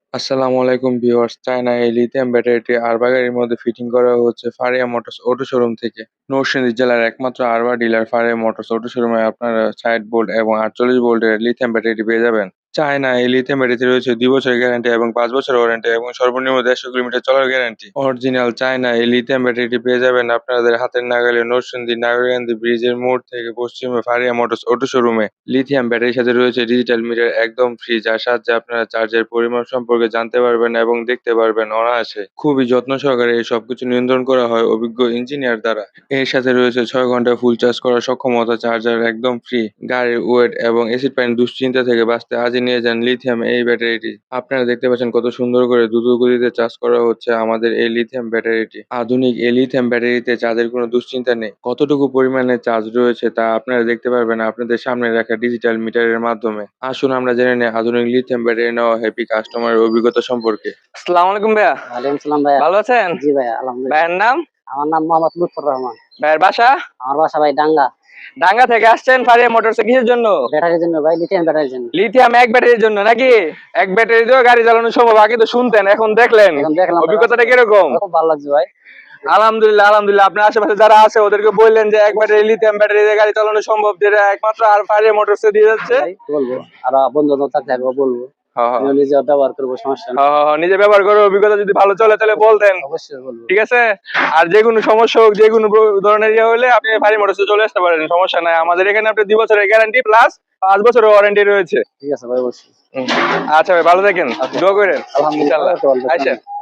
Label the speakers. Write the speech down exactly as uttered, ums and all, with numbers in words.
Speaker 1: আসসালামু আলাইকুম viewers, China এই লিথিয়াম ব্যাটারিটি আরবা গাড়ির মধ্যে ফিটিং করা হচ্ছে ফারিয়া মোটরস অটো শোরুম থেকে। নরসিংদী জেলার একমাত্র আরবা ডিলার ফারিয়া মোটরস অটো শোরুমে আপনারা ষাট ভোল্ট এবং আটচল্লিশ ভোল্টের লিথিয়াম ব্যাটারিটি পেয়ে যাবেন। চায়না এই লিথিয়াম ব্যাটারিতে রয়েছে দুই বছরের গ্যারান্টি এবং পাঁচ বছরের ওয়ারেন্টি এবং সর্বনিম্ন দেড়শো কিলোমিটার চলার গ্যারান্টি। অরিজিনাল চায়না এই লিথিয়াম ব্যাটারিটি পেয়ে যাবেন আপনাদের হাতের নাগালে নরসিংদী নাগরকান্দি ব্রিজের মোড় থেকে পশ্চিমে ফারিয়া মোটরস অটো শোরুমে। লিথিয়াম ব্যাটারির সাথে রয়েছে ডিজিটাল মিটার একদম ফ্রি, যার সাহায্যে আপনারা চার্জের পরিমাণ সম্পর্কে জানতে পারবেন এবং দেখতে পারবেন অনায়াসে। খুবই যত্ন সহকারে এই সবকিছু নিয়ন্ত্রণ করা হয় অভিজ্ঞ ইঞ্জিনিয়ার দ্বারা। এর সাথে রয়েছে ছয় ঘন্টা ফুল চার্জ করার সক্ষমতা, চার্জার একদম ফ্রি। গাড়ির ওয়েট এবং এসিড পানির দুশ্চিন্তা থেকে বাঁচতে আজই নিয়ে যান লিথিয়াম এই ব্যাটারিটি। আপনারা দেখতে পাচ্ছেন কত সুন্দর করে দ্রুত গতিতে চার্জ করা হচ্ছে আমাদের এই লিথিয়াম ব্যাটারিটি। আধুনিক এই লিথিয়াম ব্যাটারিতে চার্জের কোনো দুশ্চিন্তা নেই। কতটুকু পরিমাণে চার্জ রয়েছে তা আপনারা দেখতে পারবেন আপনাদের সামনে রাখা ডিজিটাল মিটারের মাধ্যমে। আসুন আমরা জেনে নেই আধুনিক লিথিয়াম ব্যাটারি নেওয়া হ্যাপি কাস্টমারের অভিজ্ঞতা সম্পর্কে।
Speaker 2: আসসালামু আলাইকুম ভাইয়া।
Speaker 3: ওয়ালাইকুম সালাম ভাইয়া।
Speaker 2: ভালো আছেন?
Speaker 3: জি ভাইয়া, আলহামদুলিল্লাহ।
Speaker 2: ভাইয়ের নাম?
Speaker 3: আমার নাম মোহাম্মদ লুৎফর রহমান।
Speaker 2: ভাইয়ের বাসা?
Speaker 3: আমার বাসা ভাই ডাঙ্গা।
Speaker 2: ডাঙ্গা থেকে আসছেন ফারিয়া মোটরসে কিসের জন্য?
Speaker 3: ব্যাটারির জন্য ভাই, লিথিয়াম ব্যাটারির জন্য।
Speaker 2: লিথিয়াম এক ব্যাটারির জন্য নাকি? এক ব্যাটারি দিয়েও গাড়ি চালানো সম্ভব? আগে তো শুনতেন, এখন দেখলেন।
Speaker 3: এখন দেখলাম।
Speaker 2: অভিজ্ঞতাটা কিরকম?
Speaker 3: খুব ভালো লাগছে ভাই।
Speaker 2: আলহামদুলিল্লাহ আলহামদুলিল্লাহ। আপনার আশেপাশে যারা আছে ওদেরকে বললেন যে এক ব্যাটারি লিথিয়াম ব্যাটারি দিয়ে গাড়ি চালানো সম্ভব, যেটা একমাত্র আর ফারিয়া মোটরসে দিয়ে যাচ্ছে।
Speaker 3: বলবো আর বন্ধু বান্ধব থাকলে একবার বলবো।
Speaker 2: হ্যাঁ হ্যাঁ
Speaker 3: নিজে ব্যবহার করবো, সমস্যা নেই।
Speaker 2: হ্যাঁ হ্যাঁ, নিজে ব্যবহার করে অভিজ্ঞতা যদি ভালো চলে তাহলে বলতেন।
Speaker 3: অবশ্যই বলবো।
Speaker 2: ঠিক আছে। আর যে কোনো সমস্যা হোক, যে কোনো ধরনের ইয়ে হলে আপনি ফারিয়া মোটরসে চলে আসতে পারেন, সমস্যা নাই। আমাদের এখানে আপনি দুই বছরের গ্যারান্টি প্লাস পাঁচ বছরের ওয়ারেন্টি রয়েছে।
Speaker 3: ঠিক আছে ভাই, অবশ্যই।
Speaker 2: আচ্ছা ভাই, ভালো থাকেন, দোয়া করেন।
Speaker 3: আলহামদুলিল্লাহ।
Speaker 2: আচ্ছা।